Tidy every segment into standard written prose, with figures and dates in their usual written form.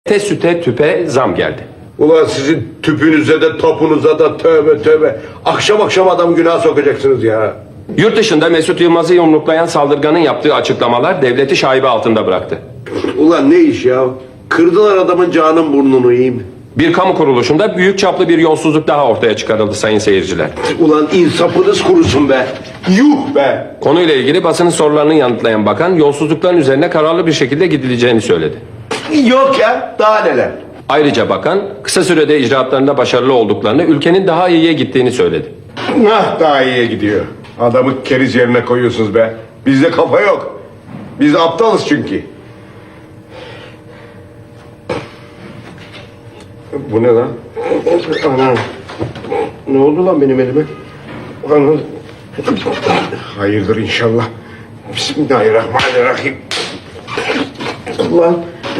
Süte tüpe zam geldi. Ulan sizin tüpünüze de topunuza da tövbe tövbe. Akşam akşam adam günah sokacaksınız ya. Yurt dışında Mesut Yılmaz'ı yumruklayan saldırganın yaptığı açıklamalar devleti şaibe altında bıraktı. Ulan ne iş ya? Kırdılar adamın canın burnunu yiyeyim. Bir kamu kuruluşunda büyük çaplı bir yolsuzluk daha ortaya çıkarıldı sayın seyirciler. Ulan insafınız kurusun be. Yuh be. Konuyla ilgili basının sorularını yanıtlayan bakan yolsuzlukların üzerine kararlı bir şekilde gidileceğini söyledi. Yok ya, daha neler. Ayrıca bakan kısa sürede icraatlarında başarılı olduklarını, ülkenin daha iyiye gittiğini söyledi. Daha iyiye gidiyor. Adamı keriz yerine koyuyorsunuz be. Bizde kafa yok. Biz aptalız çünkü. Bu ne lan? Ana. Ne oldu lan benim elime? Ana. Hayırdır inşallah. Bismillahirrahmanirrahim. Ulan.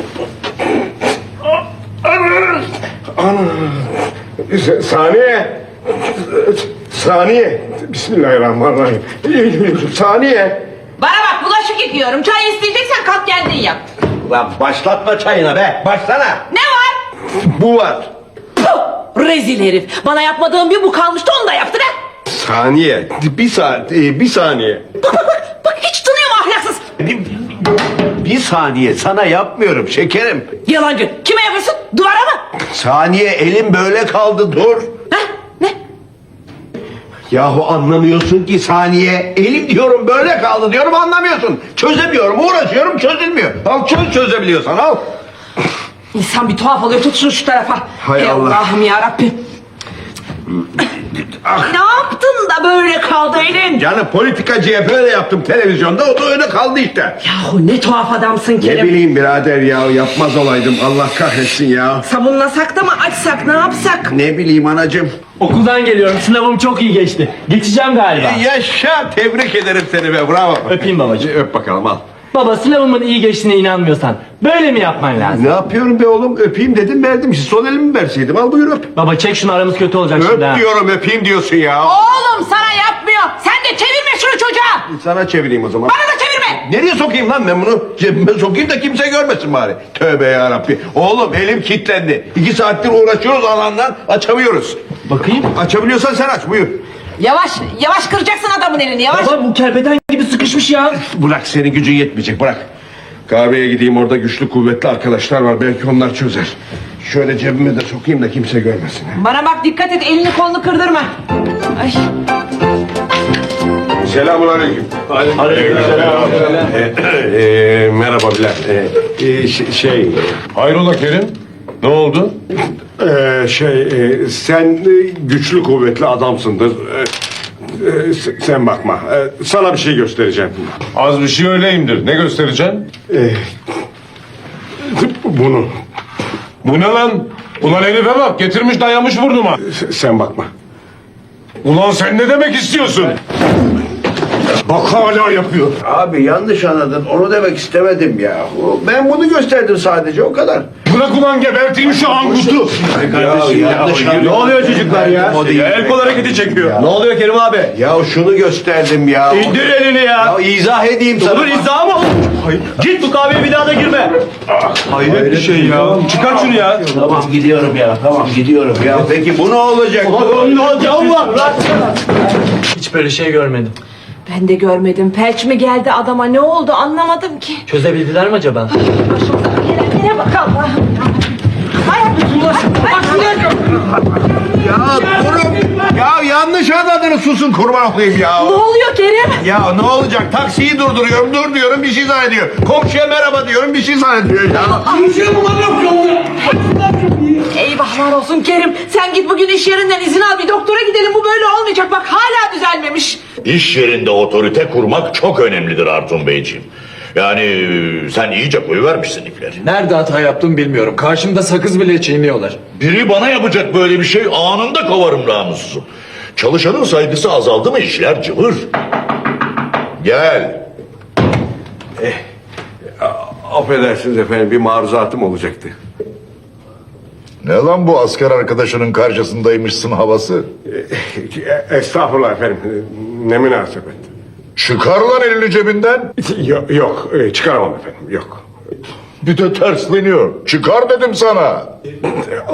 Ana. Saniye. Saniye. Bismillahirrahmanirrahim. Saniye. Bana bak, bulaşık yıkıyorum. Çay isteyeceksen kalk kendin yap. Lan başlatma çayına be. Başlana. Ne var? Bu var. Puh, rezil herif. Bana yapmadığın bir bu kalmıştı, onu da yaptın ha. Saniye. Bir saniye. Bak hiç tanıyor mu ahlaksız? Bir saniye, sana yapmıyorum şekerim. Yalancı. Kime yapıyorsun? Duvara mı? Saniye, elim böyle kaldı, dur. Ha? Ne? Yahu anlamıyorsun ki Saniye. Elim diyorum böyle kaldı diyorum, anlamıyorsun. Çözemiyorum, uğraşıyorum, çözülmüyor. Al çözebiliyorsan al. İnsan bir tuhaf oluyor. Tut şunu şu tarafa. Hay Ey Allah. Allah'ım yarabbim. Ne yaptın da böyle kaldı elin? Yani politikacıya böyle yaptım televizyonda, o da öyle kaldı işte. Yahu ne tuhaf adamsın Ne Kerim. bileyim birader ya, yapmaz olaydım, Allah kahretsin ya. Sabunlasak da mı açsak, ne yapsak? Ne bileyim anacığım. Okuldan geliyorum. Sınavım çok iyi geçti. Geçeceğim galiba. Yaşa, tebrik ederim seni be, bravo. Öpeyim babacığım. Öp bakalım al. Baba, sınavımın iyi geçtiğine inanmıyorsan böyle mi yapman lazım? Ne yapıyorum be oğlum, öpeyim dedim verdim, sol elimi verseydim, al buyur öp. Baba çek şunu, aramız kötü olacak şimdi ha. Öp diyorum, öpeyim diyorsun ya. Oğlum sana yapmıyor. Sen de çevirme şunu çocuğa. Sana çevireyim o zaman. Bana da çevirme. Nereye sokayım lan ben bunu? Cebime sokayım da kimse görmesin bari. Tövbe yarabbi. Oğlum elim kilitlendi. 2 saattir uğraşıyoruz alandan, açamıyoruz. Bakayım. Açabiliyorsan sen aç, buyur. Yavaş, yavaş kıracaksın adamın elini, yavaş. Baba bu kerpeten gibi sıkışmış ya. Bırak, senin gücün yetmeyecek, bırak. Kahveye gideyim, orada güçlü kuvvetli arkadaşlar var, belki onlar çözer. Şöyle cebime de sokayım da kimse görmesin. Bana bak, dikkat et, elini kolunu kırdırma. Ay. Selamünaleyküm. Aleykümselam. Merhaba Bilal. Hayrola Kerim? Ne oldu? Sen güçlü kuvvetli adamsındır. Sen bakma. Sana bir şey göstereceğim. Az bir şey öyleyimdir. Ne göstereceksin? Bunu. Bu ne lan? Ulan Elif'e bak, getirmiş dayamış burnuma. Sen bakma. Ulan sen ne demek istiyorsun? Bak hala yapıyor. Abi yanlış anladın, onu demek istemedim ya. Ben bunu gösterdim sadece, o kadar. Bırak ulan, geberteyim şu angutu. Ne oluyor çocuklar ya? El kol hareketi çekiyor. Ne oluyor Kerim abi? Ya şunu gösterdim ya. İndir elini ya. Ya izah edeyim sana. Olur, izah mı? Git, bu kahveye bir daha da girme. Hayret bir şey ya. Çıkar şunu ya. Tamam gidiyorum ya, tamam gidiyorum ya. Peki bu ne olacak? Ne olacak Allah? Hiç böyle şey görmedim. Ben de görmedim. Felç mi geldi adama, ne oldu anlamadım ki. Çözebildiler mi acaba? Başımıza gelenlere bak Allah'ım. Ay, Ya durun. Ya yanlış anladınız, susun kurban olayım ya. ne oluyor Kerim? Ya ne olacak? Taksiyi durduruyorum, dur diyorum, bir şey zannediyor. Komşuya merhaba diyorum, bir şey zannediyor ya. Eyvahlar olsun Kerim. Sen git bugün iş yerinden izin al, bir doktora gidelim. Bu böyle olmayacak, bak hala düzelmemiş. İş yerinde otorite kurmak çok önemlidir Artun Beyciğim. Yani sen iyice koyuvermişsin ipleri. Nerede hata yaptım bilmiyorum. Karşımda sakız bile çiğniyorlar. Biri bana yapacak böyle bir şey, anında kovarım namussuzu. Çalışanın saygısı azaldı mı işler cıvır. Gel. Affedersiniz efendim, bir maruzatım olacaktı. Ne lan bu, asker arkadaşının karşısındaymışsın havası? Estağfurullah efendim, ne münasebet. Çıkar lan elini cebinden. Yok, çıkaramam efendim, yok. Bir de tersleniyor. Çıkar dedim sana.